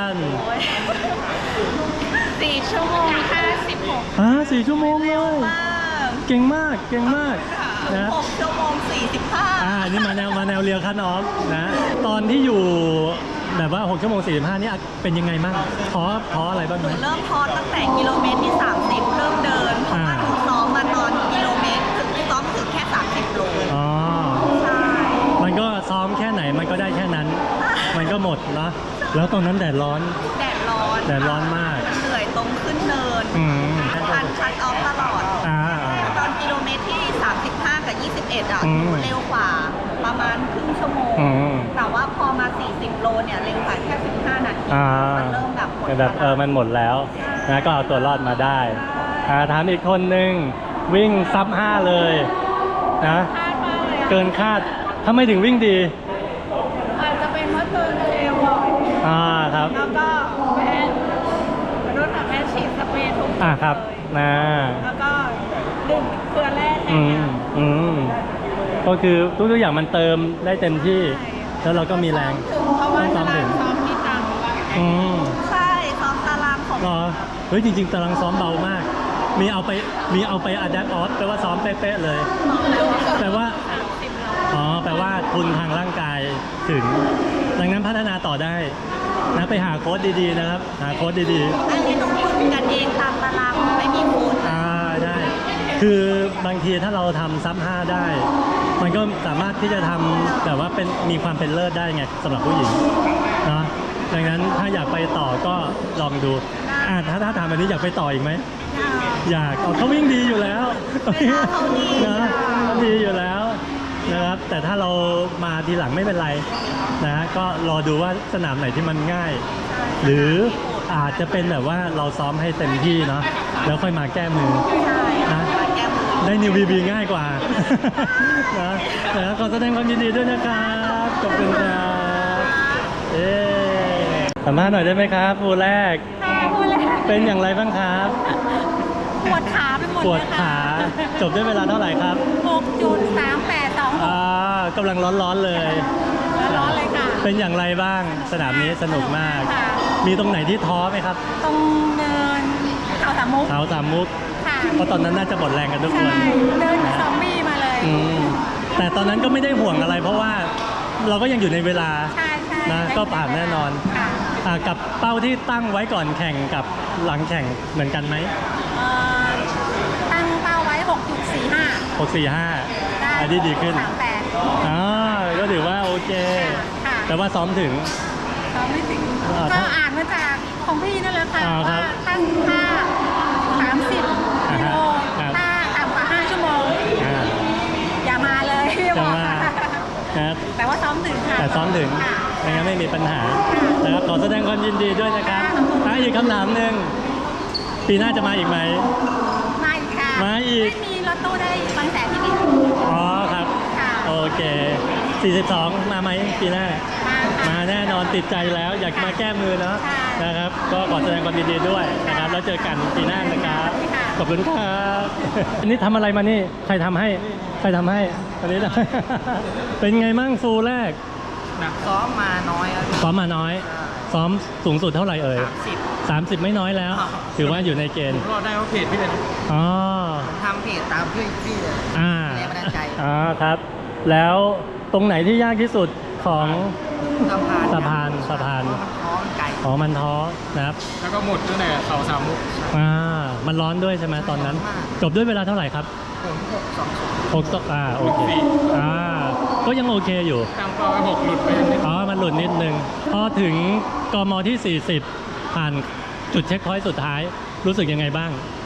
Speaker 5: สี่ชั่วโมงห้าสิบหก
Speaker 1: อ่าสี่ชั่วโมงเลยเก่งมากเก่งมากนะ
Speaker 5: หกชั่วโมงสี่สิบห้า
Speaker 1: อ่านี่มาแนวมาแนวเรียวคัทออฟนะตอนที่อยู่แบบว่าหกชั่วโมงสี่สิบห้านี่เป็นยังไงบ้างท้อท้ออะไรบ้างไหม
Speaker 5: เริ่มพอตั้งแต่กิโลเมตรที่สามสิบเริ่มเดินเพราะว่าหนูซ้อมมาตอนกิโลเมตรถึงซ้อมถึงแค่สามสิบโล
Speaker 1: อ๋อ
Speaker 5: ใช่
Speaker 1: มันก็ซ้อมแค่ไหนมันก็ได้แค่นั้น มันก็หมดเนาะแล้วตอนนั้นแดดร้อน
Speaker 5: แดดร้อน
Speaker 1: แดดร้อนมาก
Speaker 5: เหนื่อยตรงขึ้นเนิน
Speaker 1: อืม
Speaker 5: ทันคัดออฟตลอด
Speaker 1: อ่า
Speaker 5: ตอนกิโลเมตรที่สามสิบห้ากับยี่สิบเอ็ดอ่ะ
Speaker 1: อืม
Speaker 5: เร็วกว่าประมาณครึ่งชั่วโมง
Speaker 1: อืม
Speaker 5: แต่ว่าพอมาสี่สิบโลเนี่ยเร็วกว่าแค่สิบห้านาที
Speaker 1: อ่า
Speaker 5: มันเริ่มแบบหมด
Speaker 1: แบบเออมันหมดแล้วนะก็เอาตัวรอดมาได้อ่าถามอีกคนนึงวิ่งซับห้าเลยนะ
Speaker 3: คาดมากเลยอะ
Speaker 1: เกินคาดทำไมถึงวิ่งดี
Speaker 3: อาจจะเป็นเพราะเธอเทบ่อย
Speaker 1: อ่าครับ
Speaker 3: แล้วก็แพ้มนุษย์อะแพ้ฉีดสเปรย์ทุก
Speaker 1: อ่าครับนะ
Speaker 3: แล้วก็ดื่มเกลือแร่แท
Speaker 1: อื
Speaker 3: น
Speaker 1: มอืมก็คือทุกๆอย่างมันเติมได้เต็มที่ แล้วเราก็มีแรง
Speaker 3: ถึงเพราะว่า
Speaker 1: ต้อง
Speaker 3: ตา
Speaker 1: ซ้อม
Speaker 3: รา
Speaker 1: ถึ
Speaker 3: ง
Speaker 1: ง
Speaker 3: ซ้อมที่ต่าง
Speaker 1: อืม
Speaker 5: ใช่ซ้อมตารางของ
Speaker 1: เหรอเฮ้ยจริงๆตารางซ้อมเบามาก มีเอาไปมีเอาไปอะแดปออฟแปลว่าซ้อมเป๊ะๆเลย แปลว่า อ๋อ แปลว่าทุนทางร่างกายถึง ดังนั้นพัฒนาต่อได้นะไปหาโค้ดดีๆนะครับ หาโค้ดดีๆ
Speaker 5: อันนี้ต้องฝึกกันเองตามตารางไม่มีโค้ช
Speaker 1: อ่าได้ คือบางทีถ้าเราทำซับห้าได้ มันก็สามารถที่จะทำแบบว่าเป็นมีความเป็นเลิศได้ไงสำหรับผู้หญิงเนาะดังนั้นถ้าอยากไปต่อก็ลองดูอ่าถ้าถ้าถามแบบนี้อยากไปต่ออีกไหมอยากเอาเขาวิ่งดีอยู่แล้วนะเขาดีอยู่แล้วนะครับแต่ถ้าเรามาทีหลังไม่เป็นไรนะก็รอดูว่าสนามไหนที่มันง่าย หรืออาจจะเป็นแบบว่าเราซ้อมให้เต็มที่เนาะแล้วค่อยมาแก้มือ
Speaker 5: ใช่
Speaker 1: นะ
Speaker 5: มาแก้มือ
Speaker 1: ได้นิวบีบีง่ายกว่า นะนะขอแสดงความยินดีด้วยนะครับขอบคุณครับเอ๊สัมภาษณ์หน่อยได้ไหมครับฟูแรก
Speaker 3: ค่ะพูดเลย
Speaker 1: เป็นอย่างไรบ้างครับ
Speaker 3: ปวดขาไปหมด
Speaker 1: ปวดขา จบด้วยเวลาเท่าไหร่ครับ
Speaker 3: หกจุดสามแปดสองหก
Speaker 1: อ่ากำลังร้อนๆเลย
Speaker 3: ร้อนเลยค่ะ
Speaker 1: เป็นอย่างไรบ้างสนามนี้สนุกมาก
Speaker 3: ค่ะ
Speaker 1: มีตรงไหนที่ท้อไหมครับ
Speaker 3: ตรงเนินเขาสามมุก
Speaker 1: เขาสามมุก
Speaker 3: ค่ะ
Speaker 1: เพราะตอนนั้นน่าจะหมดแรงกันทุกค
Speaker 3: ใช่
Speaker 1: น
Speaker 3: เดินซอมบี้มาเลย
Speaker 1: อืมแต่ตอนนั้นก็ไม่ได้ห่วงอะไร เพราะว่าเราก็ยังอยู่ในเวลา
Speaker 3: ใช่ใช่
Speaker 1: นะก็ผ่านแน่นอน
Speaker 3: ค่ะ
Speaker 1: อ่ากับเป้าที่ตั้งไว้ก่อนแข่งกับหลังแข่งเหมือนกันไหม
Speaker 3: เอ่อตั้งเป้าไว้ หกจุดสี่ห้า
Speaker 1: หก สี่ ห้า
Speaker 3: ได้
Speaker 1: อันนี้ดีขึ้น
Speaker 3: สามแปด
Speaker 1: อ่าก็ถือว่าโอเค
Speaker 3: ค่ะ
Speaker 1: แต่ว่าซ้อมถึง
Speaker 3: ซ้อมไม่ถึง
Speaker 1: อ่า
Speaker 3: ก็อ่านมาจากของพี่นั่นแหละค่ะ
Speaker 1: อ่าครั
Speaker 3: ว่า
Speaker 1: บ
Speaker 3: ตั้งค่าสามสิบ
Speaker 1: อ่า
Speaker 3: กิ
Speaker 1: ฮะ
Speaker 3: โล
Speaker 1: ครับ
Speaker 3: ถ้าต่ำกว่าห้าชั่วโมง
Speaker 1: อ่า
Speaker 3: อย่ามาเลยพี่บ
Speaker 1: จะ
Speaker 3: อก
Speaker 1: มา
Speaker 3: ค่ะ
Speaker 1: ครับ
Speaker 3: แต่ว่าซ้อมถึงค่ะ
Speaker 1: แต่ซ้อมถึง
Speaker 3: ค่ะ
Speaker 1: ไม่งั้นไม่มีปัญหานะครับขอแสดงความยินดีด้วยนะครับ
Speaker 3: ค่ะขอบคุณ
Speaker 1: อ่ะอีกคำถามหนึ่งปีหน้าจะมาอีกไหม
Speaker 3: มาอีกค่ะ
Speaker 1: มาอีก
Speaker 3: ไม่มีรถตู้ได้บางแสนที่นี่
Speaker 1: อ๋อครับ
Speaker 3: ค่ะ
Speaker 1: โอเค สี่สิบสอง มาไหมปีหน้า
Speaker 3: มาค่ะ
Speaker 1: มาแน่นอนติดใจแล้วอยากมาแก้มือเนาะ
Speaker 3: ค่ะ
Speaker 1: นะครับ ก็ขอแสดงความยินดีด้วยนะครับ แล้วเจอกันปีหน้านะครับ
Speaker 3: ค่ะ
Speaker 1: ขอบคุณครับ อันนี้ทำอะไรมานี่ ใครทำให้ ใครทำให้ อันนี้นะ เป็นไงมั่งฟูลแรก
Speaker 2: ซ้อมมาน้อยครับ
Speaker 1: ซ้อมมาน้อย ซ้อมสูงสุดเท่าไหร่เอ่ย
Speaker 2: สิบ
Speaker 1: สามสิบไม่น้อยแล้ว ถือว่าอยู่ในเกณฑ์
Speaker 2: รอดได้เพราะเพจพี่เลย
Speaker 1: อ๋อ
Speaker 2: ทำเพจตามพี่พี่เลย
Speaker 1: อ่า
Speaker 2: แรงบันดาลใจ
Speaker 1: อ๋อครับ แล้วตรงไหนที่ยากที่สุดของ
Speaker 2: สะพาน
Speaker 1: สะพานสะพาน
Speaker 2: เพราะมันท้อมันไกล
Speaker 1: อ๋อมันท้อนะครับ
Speaker 4: แล้วก็หมดตั้งแต่เขาสามมุก
Speaker 1: อ่า มันร้อนด้วยใช่ไหมตอนนั้น จบด้วยเวลาเท่าไหร่ครับ
Speaker 2: ผมหกสองศูนย์
Speaker 1: หกตอ่า โอเค อ่า ก็ยังโอเคอยู่
Speaker 4: ตั้งเป้าไว้หกหลุดไปนิด
Speaker 1: อ๋อ มันหลุดนิดนึง พอถึงกมที่ สี่สิบ ผ่านจุดเช็คพอยต์สุดท้าย รู้สึกยังไงบ้าง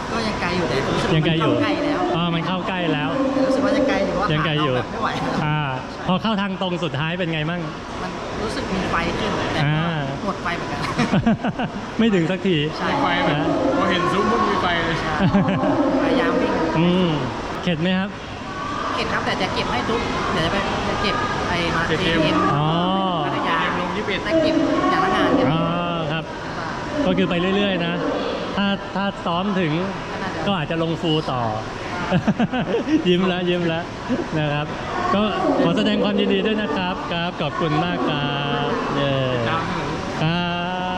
Speaker 7: ก็ยังไกลอยู่แต่รู้สึก
Speaker 1: ยังไกลอยู่
Speaker 7: มันเข้าใกล้แล้ว
Speaker 1: อ๋อมันเข้าใกล้แล้ว
Speaker 7: แต่รู้สึกว่ายังไกลอยู่ว่า
Speaker 1: ยังไกลอยู่
Speaker 7: ขาเราแบบไม่ไหว
Speaker 1: อ่าพอเข้าทางตรงสุดท้ายเป็นไงมั่ง
Speaker 7: มันรู้สึกมีไฟขึ้นแต่
Speaker 1: อ่า
Speaker 7: ก็หมดไฟเหมือนกัน
Speaker 1: ไม่ถึงสักที
Speaker 7: ใช่
Speaker 4: ไฟแบบ
Speaker 1: นะ
Speaker 4: พอเห็นซุ้มปุ๊บมีไฟเลย
Speaker 7: พยายามวิ่ง
Speaker 1: อืมเข็ดไหมครับ
Speaker 7: เก็บครับแต่จะเก็บให้ทุกเดี๋ยวจะไปจะเก็บไอ้มา
Speaker 4: เก็บ
Speaker 7: เอ
Speaker 4: เกม
Speaker 7: เอ็ม
Speaker 1: อ๋อ
Speaker 7: พัทยา
Speaker 4: ลงยี่สิบเอ็ด
Speaker 7: แต่เก็บอย่างละงานกัน
Speaker 1: อ๋อครับ ก็คือไปเรื่อยๆนะ ถ้าถ้าซ้อมถึงก็อาจจะลงฟูลต่อ ยิ้มแล้วยิ้มแล้วนะครับ ก็ขอแสดงความยินดีด้วยนะครับครับขอบคุณมากครับเย้ครับ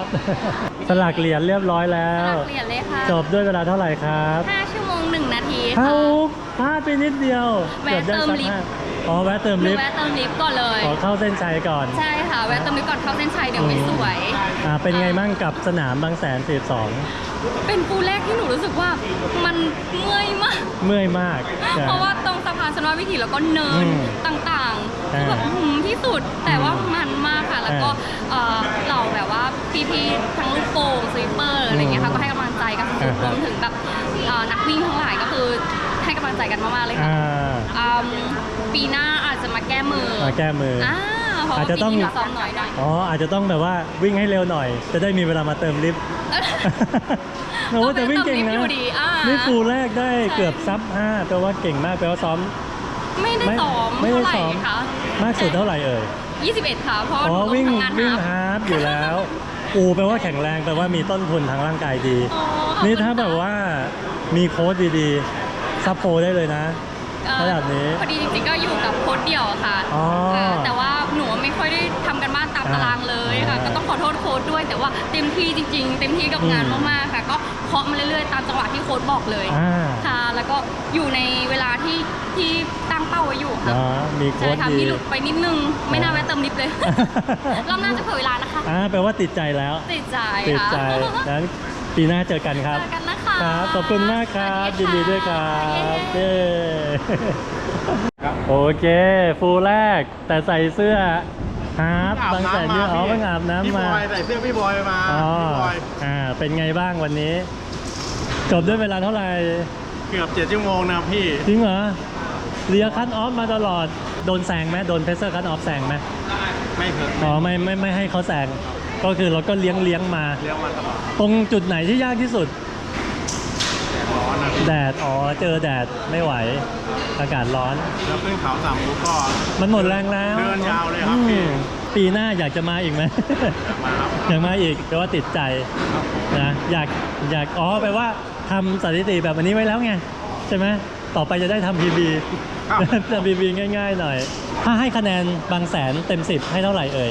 Speaker 1: สลักเหรียญเรียบร้อยแล้ว
Speaker 3: เปลี่ยนเลยค่ะ
Speaker 1: จบด้วยเวลาเท่าไหร่ครับ
Speaker 3: ห้าชั่วโมงหนึ่งนาที
Speaker 1: เท่า
Speaker 3: ค่ะ
Speaker 1: พลาดไปนิดเดียว
Speaker 3: แวะ
Speaker 1: กือบได้
Speaker 3: เติม
Speaker 1: สัก
Speaker 3: ลิฟต์
Speaker 1: ห้าอ๋อแวะเติม
Speaker 3: หนู
Speaker 1: ลิฟต์
Speaker 3: แวะเติมลิฟต์ก่อนเลย
Speaker 1: ขอเข้าเส้นชัยก่อน
Speaker 3: ใช่ค่ะ แวะเติมลิฟต์ก่อนเข้าเส้นชัยเดี๋ยวไม่สวย
Speaker 1: อ่าเป็นไงมั่งกับสนามบางแสนสี่สอง
Speaker 3: เป็นปูแรกที่หนูรู้สึกว่ามันเมื่อยมาก
Speaker 1: เมื่อยมากใช่
Speaker 3: เพราะว่าตรงสะพานชนวนวิถีแล้วก็เนิน
Speaker 1: อืม
Speaker 3: ต่างๆ
Speaker 1: อ่า
Speaker 3: คือแบบหืมที่สุดแต่ว่ามันมากค่ะ แล้วก็เอ่อเหล่าแบบว่าพี่ๆทั้งลูกโป่งสวีปเปอร์อะไรอย่างเงี้ยค่ะก็ให้กำลังใจกันสุดๆรวมถึงแบบเอ่อนักวิ่งทั้งหลายก็คือให้กำลังใจกันมากๆเลยค่ะ
Speaker 1: อ่า
Speaker 3: อืมปีหน้าอาจจะมาแก้มือ
Speaker 1: มาแก้มืออ
Speaker 3: อ่าเพราะ
Speaker 1: อา
Speaker 3: ว่า
Speaker 1: จจะ
Speaker 3: ปี
Speaker 1: ต้อง
Speaker 3: นี้เราซ้อมน้อยหน่อย
Speaker 1: อ๋ออาจจะต้องแบบว่าวิ่งให้เร็วหน่อย จะได้มีเวลามาเติมลิฟต์ โอ้โหแต่วิ่งเก่งนะ
Speaker 3: ต้องไปเติมลิฟต์อยู่ดีอ่า
Speaker 1: นี่ฟูลแรกได้
Speaker 3: ใช่
Speaker 1: เกือบซับห้าแปลว่าเก่งมากแปลว่าซ้อม
Speaker 3: ไม่ได้ซ้อม
Speaker 1: ไม่
Speaker 3: เท่า
Speaker 1: ได้
Speaker 3: ไหร่
Speaker 1: ซ้อม
Speaker 3: คะ
Speaker 1: มากสุดเท่าไหร่เอ่ย
Speaker 3: ยี่สิบเอ็ดค่ะเพราะ
Speaker 1: อ๋อ
Speaker 3: หนู
Speaker 1: วิ่ง
Speaker 3: ทำงาน
Speaker 1: วิ่ง
Speaker 3: หนัก
Speaker 1: ฮาล์ฟอยู่แล้วอูแปลว่าแข็งแรงแปลว่ามีต้นทุนทางร่างกายดี
Speaker 3: อ๋อขอบคุณ
Speaker 1: นี่ถ้า
Speaker 3: ค่ะ
Speaker 1: แบบว่ามีโค้ชดีๆซับโปรได้เลยนะ
Speaker 3: เอ่อ
Speaker 1: ระดับนี้
Speaker 3: พอดีจริงๆก็อยู่กับโค้ชเดี่ยวค่ะ
Speaker 1: อ๋ออ่
Speaker 3: าแต่ว่าหนูไม่ค่อยได้ทำกันบ้านตาม
Speaker 1: อ่า
Speaker 3: ตารางเลยค่ะ
Speaker 1: อ่า
Speaker 3: ก็ต้องขอโทษโค้ชด้วย แต่ว่าเต็มที่จริง ๆ เต็มที่กับงาน
Speaker 1: อืม
Speaker 3: มากๆค่ะ ก็เคาะมาเรื่อยๆตามจังหวะที่โค้ชบอกเลย
Speaker 1: อ่า
Speaker 3: ค่ะ แล้วก็อยู่ในเวลาที่ที่ตั้งเป้าไว้อยู่ค่ะ
Speaker 1: อ๋อมีโค้
Speaker 3: ใช่
Speaker 1: ช
Speaker 3: ค่ะ
Speaker 1: ดี
Speaker 3: มีหลุดไปนิดนึง ไม่น่าแวะเติมลิฟต์เลย รอบหน้าจะเผยเวลานะคะ
Speaker 1: อ่าแปลว่าติดใจแล้ว
Speaker 3: ติดใจ
Speaker 1: ติด
Speaker 3: ค่ะ
Speaker 1: ใจนั้นปีหน้าเจอกันครับ
Speaker 3: เจอกันนะคะ
Speaker 1: ครับ ขอบคุณมากครับ
Speaker 3: ส
Speaker 1: ยิ
Speaker 3: วัน ส
Speaker 1: ดี
Speaker 3: ค่ะ
Speaker 1: ด้วยครับ
Speaker 3: เย้
Speaker 1: เย้โอเค ฟูลแรก แต่ใส่เสื้อฮาร์ฟบางแสนเยอะอ๋อเพิ่งอาบ
Speaker 4: พี่
Speaker 1: น้ำ
Speaker 4: บ
Speaker 1: มา
Speaker 4: อยใส่เสื้อพี่บอยมา
Speaker 1: อ๋อ
Speaker 4: พี่บอย
Speaker 1: อ่า เป็นไงบ้างวันนี้ จบด้วยเวลาเท่าไหร่
Speaker 4: เกือบเจ็ดชั่วโมงนะพี่
Speaker 1: จริงเหรอเลียคัตออฟมาตลอด โดนแซงไหมโดนเพเซอร์คัตออฟแซงไหม
Speaker 4: ไม่เคย
Speaker 1: อ๋อไม่ไม่ไม่ให้เขาแซง ก็คือเราก็เลี้ยงเลี้ยงมา
Speaker 4: เลี้ยงมาตลอด
Speaker 1: ตรงจุดไหนที่ยากที่สุด
Speaker 4: ร้อนนะพี่
Speaker 1: แดด อ๋อ เจอแดดไม่ไหว อากาศร้อน
Speaker 4: แล้วขึ้นเขาสามมุกก็
Speaker 1: มันหมดแรงแล้ว
Speaker 4: เดินยาวเลยครับ
Speaker 1: อื
Speaker 4: พี่
Speaker 1: มปีหน้าอยากจะมาอีกไหม
Speaker 4: มาครับ
Speaker 1: อยากมาอีกแปลว่าติดใจนะอยากอยากอ๋อแปลว่าทำสถิติแบบอันนี้ไว้แล้วไงใช่ไหมต่อไปจะได้ทำพีบี
Speaker 4: ครับ
Speaker 1: ทำพีบีง่ายๆหน่อย ถ้าให้คะแนนบางแสนเต็มสิบให้เท่าไหร่เอ่ย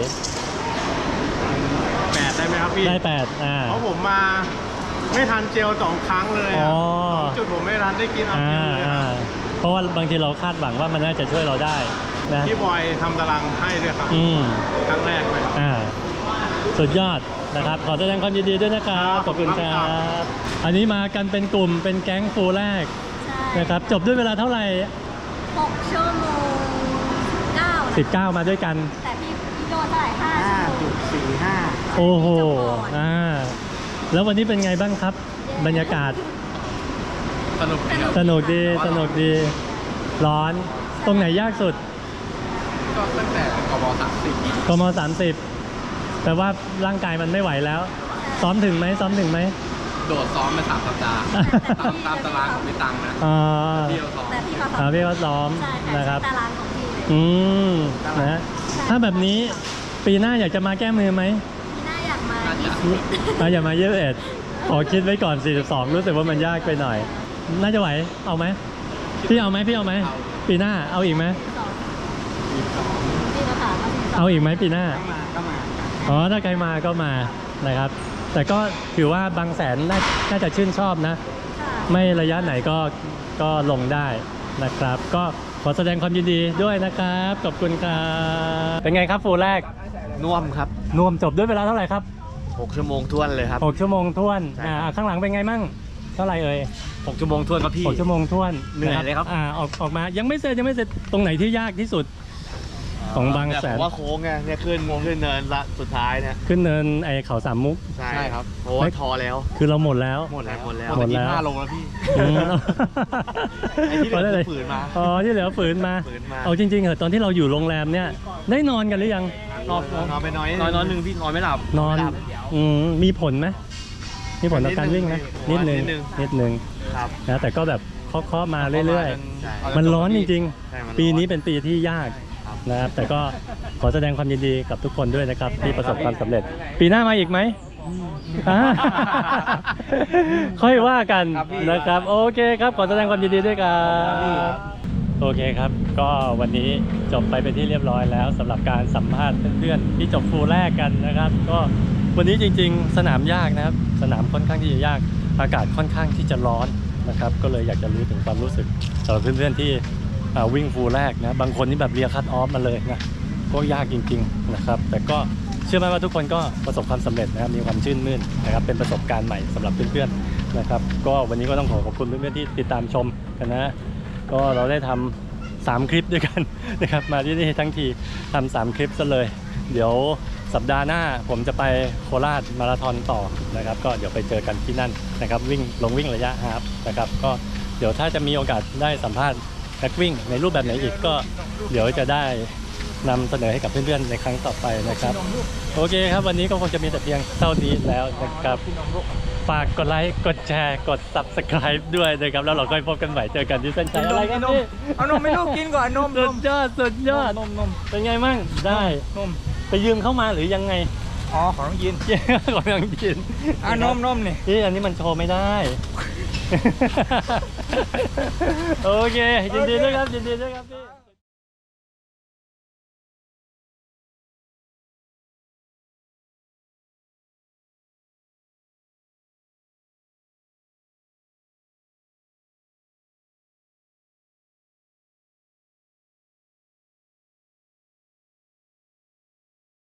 Speaker 4: แปดได้ไหมครับพี่
Speaker 1: ได้แปดอ่า
Speaker 4: เพราะผมมาไม่ทันเจลสองครั้งเลย
Speaker 1: อ๋
Speaker 4: อะ
Speaker 1: อ
Speaker 4: สองจุดผมไม่ทันได้กินเอา
Speaker 1: อ่า
Speaker 4: กินเลย
Speaker 1: อ่า
Speaker 4: อะ
Speaker 1: เพราะว่าบางทีเราคาดหวังว่ามันน่าจะช่วยเราได้นะ
Speaker 4: พี่บอยทำตารางให้ด้วยครับ
Speaker 1: อืม
Speaker 4: ครั้งแรกเลยครับ
Speaker 1: อ่าสุดยอดนะครับ ขอแสดงความยินดีด้วยนะครับ ขอบคุณครั
Speaker 4: ขอบคุณครับ บ
Speaker 1: อันนี้มากันเป็นกลุ่มเป็นแก๊งฟูลแรก
Speaker 3: ใช่
Speaker 1: นะครับ จบด้วยเวลาเท่าไหร่
Speaker 3: หกชั่วโมงเก้านะ
Speaker 1: สิบเก้ามาด้วยกัน
Speaker 3: แต่พี่พี่โดนเท่าไหร่ห้า
Speaker 7: ห้า
Speaker 3: ชั่วโมง
Speaker 7: จุดสี่ห้า
Speaker 1: โอ้โหอ่าแล้ววันนี้เป็นไงบ้างครับ บรรยากาศ
Speaker 4: สนุกดีครับ
Speaker 1: สนุกดีสนุกดี ร้อน ตรงไหนยากสุด
Speaker 4: ก็ตั้งแต่กบสามสิบ
Speaker 1: กมสามสิบแปลว่าร่างกายมันไม่ไหวแล้ว ซ้อมถึงไหมซ้อมถึงไหม
Speaker 4: โดดซ้อมไปสามสัปดาห์ ตามตามตารางของพี่ตังนะ
Speaker 1: อ่า
Speaker 4: เที่ยวซ้อม
Speaker 3: แต่พี่เขา
Speaker 1: อ่าพี่ก็ซ้อม
Speaker 3: ใช่ค่ะ
Speaker 1: นะครับ
Speaker 3: ตารางของพี่เลย
Speaker 1: อืมนะฮะถ้าแบบนี้ปีหน้าอยากจะมาแก้มือไหม
Speaker 3: พี่น่าอยากมา
Speaker 4: น่าจะ
Speaker 3: ยี่สิบ
Speaker 1: อ่ะอย่ามาเยอะเอ็ดขอคิดไว้ก่อนสี่สิบสองรู้สึกว่ามันยากไปหน่อย น่าจะไหวเอาไหมพี่เอาไหมพี่เอาไหมปีหน้าเอาอีกไหม
Speaker 3: พี่เราถามว่าสิบสอง
Speaker 1: เอาอีกไหมปีหน้า
Speaker 7: มาก็มา
Speaker 1: อ๋อถ้าใครมาก็มานะครับ แต่ก็ถือว่าบางแสนน่าน่าจะชื่นชอบนะ
Speaker 3: ค่ะ
Speaker 1: ไม่ระยะไหนก็ก็ลงได้นะครับ ก็ขอแสดงความยินดีด้วยนะครับขอบคุณครับเป็นไงครับฟูลแรก
Speaker 8: น่วมครับ
Speaker 1: นวมจบด้วยเวลาเท่าไหร่ครับ
Speaker 8: หกชั่วโมงท้วนเลยครับ
Speaker 1: หกชั่วโมงท้วน
Speaker 8: ใช่
Speaker 1: อ่าข้างหลังเป็นไงมั่งเท่าไหร่เอ่ย
Speaker 8: หกชั่วโมงท้วนครับพี่
Speaker 1: หกชั่วโมงท้วน
Speaker 8: เหนื่อยเลยครับ
Speaker 1: อ่าออกออกมายังไม่เสร็จยังไม่เสร็จตรงไหนที่ยากที่สุดของบางแส
Speaker 8: ผ
Speaker 1: น
Speaker 8: มว่าโค้งไงเนี่ยขึ้นขึ้นเนินละสุดท้ายเนี่ย
Speaker 1: ขึ้นเนินไอเขาสามมุก
Speaker 8: ใช่ครับเพราะว่าทอแล้ว
Speaker 1: คือเราหมดแล้ว
Speaker 8: หมดแล้วหมดแล้ว
Speaker 1: หมดแล้ว
Speaker 8: ยี่สิบห้าโลแล้วพี่
Speaker 1: อืม
Speaker 8: ไอ้ที่เหลือคือฝืนมา
Speaker 1: อ๋อที่เหลือฝืนมา
Speaker 8: ฝืนมา
Speaker 1: เอาจริงๆเหรอตอนที่เราอยู่โรงแรมเนี่ยได้นอนกันหรือยัง
Speaker 8: นอนนอนไปน้อยนอนนอนหนึ่งพี่นอนไม่หลับ
Speaker 1: นอน
Speaker 8: ไม่หลับ
Speaker 1: อืมมีผลไหมมีผลต่อการวิ่งไหม
Speaker 8: นิ
Speaker 1: นิด
Speaker 8: ดนึ
Speaker 1: นึง
Speaker 8: ง
Speaker 1: นิดนึง
Speaker 8: ครับ
Speaker 1: นะแต่ก็แบบเคาะๆมาเรื่อย
Speaker 8: ใช่
Speaker 1: ๆ มันร้อนจริง
Speaker 8: ใช่มันร้อน
Speaker 1: ๆ ปีนี้เป็นปีที่ยากนะครับแต่ก็ขอแสดงความยินดีกับทุกคนด้วยนะครับที่ประสบความสำเร็จ ปีหน้ามาอีกไหมอ่า ค่อยว่ากันนะครับโอเคครับขอแสดงความยินดีด้วยครับโอเคครับ ก็วันนี้จบไปเป็นที่เรียบร้อยแล้วสำหรับการสัมภาษณ์เพื่อนๆที่จบฟูลแรกกันนะครับ ก็วันนี้จริงๆ สนามยากนะครับ สนามค่อนข้างที่จะยากอากาศค่อนข้างที่จะร้อนนะครับ ก็เลยอยากจะรู้ถึงความรู้สึกสำหรับเพื่อนๆที่อ่าวิ่งฟูลแรกนะบางคนนี่แบบเรียคัตออฟมาเลยนะก็ยากจริงๆนะครับ แต่ก็เชื่อไหมว่าทุกคนก็ประสบความสำเร็จนะครับมีความชื่นมื่นนะครับเป็นประสบการณ์ใหม่สำหรับเพื่อนๆนะครับ ก็วันนี้ก็ต้องขอขอบคุณเพื่อนๆที่ติดตามชมกันนะ ก็เราได้ทำสามคลิปด้วยกันนะครับมาที่นี่ทั้งทีทำสามคลิปซะเลย เดี๋ยวสัปดาห์หน้าผมจะไปโคราชมาราธอนต่อนะครับ ก็เดี๋ยวไปเจอกันที่นั่นนะครับวิ่งลงวิ่งระยะฮาล์ฟนะครับก็เดี๋ยวถ้าจะมีโอกาสได้สัมภาษณ์นักวิ่งในรูปแบบไหนอีกก็เดี๋ยวจะได้นำเสนอให้กับเพื่อนๆในครั้งต่อไปนะครับโอเคครับวันนี้ก็คงจะมีแต่เพียงเท่านี้แล้วนะครับฝากกดไลค์กดแชร์กด ซับสไครบ์ ด้วยนะครับแล้วเราค่อยพบกันใหม่เจอกันที่เส้นชัยอะไรกันนี่
Speaker 4: เอานมไม่ลูกกินก่อนนม
Speaker 1: สุดยอดสุดยอด
Speaker 4: นมนม
Speaker 1: เป็นไงมั่งได้
Speaker 4: นม
Speaker 1: ไปยืมเข้ามาหรือยังไง
Speaker 4: อ๋อของน้องยิน
Speaker 1: ของยังกิน
Speaker 4: อ่ะนมนมนี่
Speaker 1: นี่อันนี้มันโชว์ไม่ได้ โอเคยินดีด้วยครับยินดีด้วยครับพี่